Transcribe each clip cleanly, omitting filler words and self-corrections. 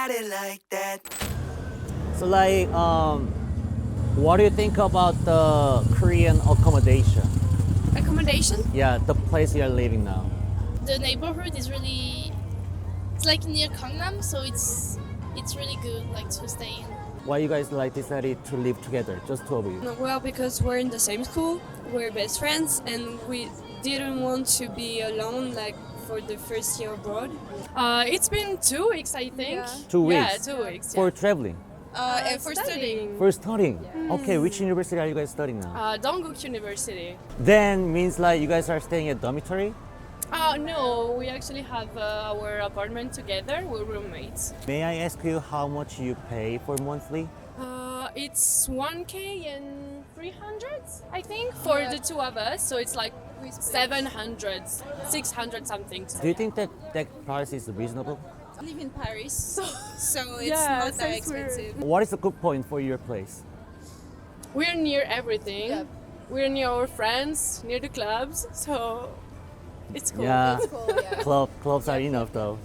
got it like that. So what do you think about the Korean accommodation? Accommodation. Yeah, the place you're living now. The neighborhood is really, it's like near Gangnam, so it's really good like to stay in. Why you guys decided to live together, just two of you? Well, because we're in the same school, we're best friends, and we didn't want to be alone like for the first year abroad. It's been 2 weeks, I think. Yeah. 2 weeks? Yeah, 2 weeks. For traveling? And for studying. For studying? Okay, which university are you guys studying now? Dongguk University. Then means you guys are staying at dormitory? No, we actually have our apartment together. We're roommates. May I ask you how much you pay for monthly? It's 1K and 300, I think, for the two of us. So it's like 700, 600 something. Do you think that price is reasonable? I live in Paris, so it's Yeah, not that since we're- expensive. What is the good point for your place? We're near everything. Yeah. We're near our friends, near the clubs. So it's cool. Yeah, Cool, yeah. clubs are enough though.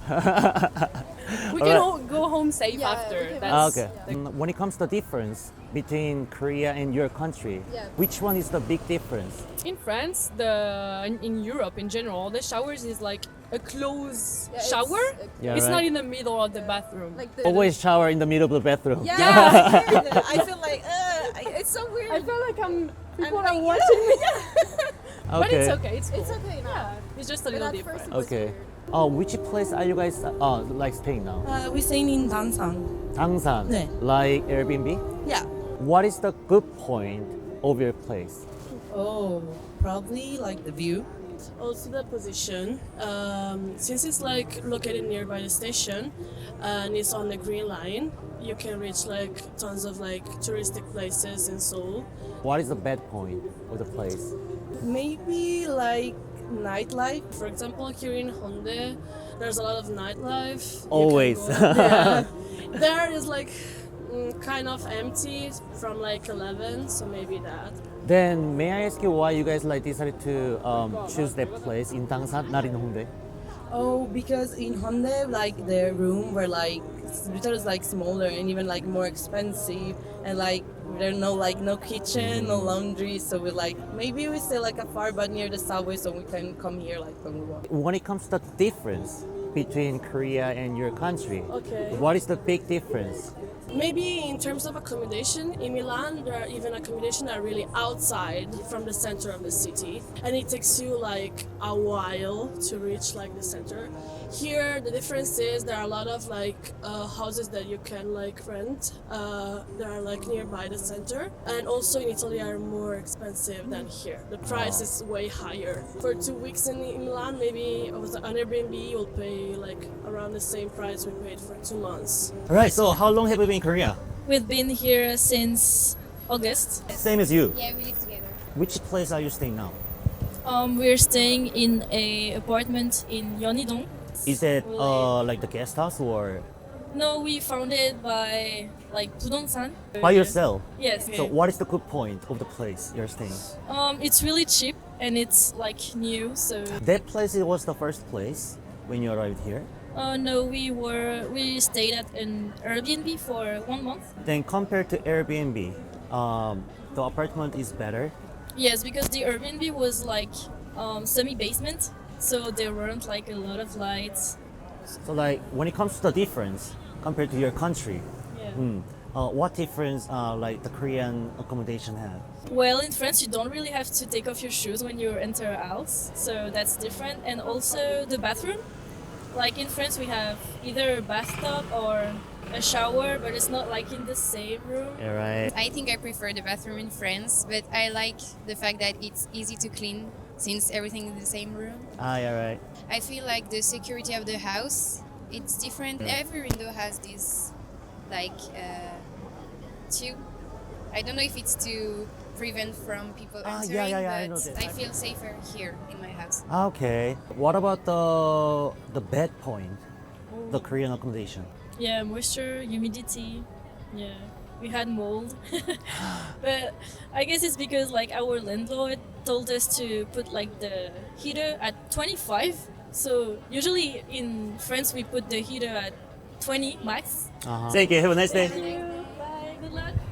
We Alright. can go home safe Yeah, after. we can- That's Okay. When it comes to difference between Korea and your country, Yeah. which one is the big difference? In France, in Europe in general, the showers is like a closed Yeah, shower. Yeah, It's right. not in the middle of the bathroom. Like the, Always shower in the middle of the bathroom. Yeah, I feel like it's so weird. I feel like people I'm are like, watching me, but Okay. it's okay. It's cool. It's okay now. Yeah, it's just a But little at different. first it was Okay. weird. Which place are you guys staying now? We're staying in Dansang. Dangsan. 네. Like Airbnb? Yeah. What is the good point of your place? Oh, probably like the view. Also the position, since it's like located nearby the station and it's on the green line, you can reach like tons of like touristic places in Seoul. What is the bad point of the place? Maybe like nightlife. For example, here in Honda, there's a lot of nightlife. You can Always. go- yeah. There is like kind of empty from like 11, so maybe that. Then may I ask you why you guys decided to choose that place in Dangsan, not in Hongdae? Oh, because in Hyundai, like the room were like little like smaller and even like more expensive, and like there no kitchen, no laundry. So we maybe we stay like afar but near the subway, so we can come here like when we want. When it comes to the difference between Korea and your country, Okay. what is the big difference? Maybe in terms of accommodation, in Milan there are even accommodation that are really outside from the center of the city, and it takes you like a while to reach like the center. Here the difference is there are a lot of like houses that you can like rent that are like nearby the center, and also in Italy are more expensive than here. The price is way higher. For 2 weeks in Milan, maybe on Airbnb you'll pay like around the same price we paid for 2 months. Alright, so how long have you been in Korea? We've been here since August. Same as you. Yeah, we live together. Which place are you staying now? We're staying in a apartment in Yeonidong. Is it like the guest house or No, we found it by like 부동산. by yourself? Yes. So what is the good point of the place you're staying? It's really cheap and it's like new. So That place was the first place when you arrived here. no, we stayed at an Airbnb for 1 month. Then compared to Airbnb, the apartment is better. Yes, because the Airbnb was like semi-basement, so there weren't like a lot of lights. So when it comes to the difference compared to your country, Yeah. what difference the Korean accommodation have? Well, in France, you don't really have to take off your shoes when you enter a house, so that's different. And also the bathroom. Like in France, we have either a bathtub or a shower, but it's not like in the same room. Yeah, right. I think I prefer the bathroom in France, but I like the fact that it's easy to clean since everything is in the same room. Yeah, right. I feel like the security of the house, it's different. Every window has this tube. I don't know if it's to prevent from people entering, yeah, I know but that. I feel safer here in my house. Okay. What about the bad point? The Korean accommodation. Yeah, moisture, humidity. Yeah, we had mold. But I guess it's because like our landlord told us to put like the heater at 25. So usually in France we put the heater at 20 max. Thank you. Have a nice day. Bye. Good luck.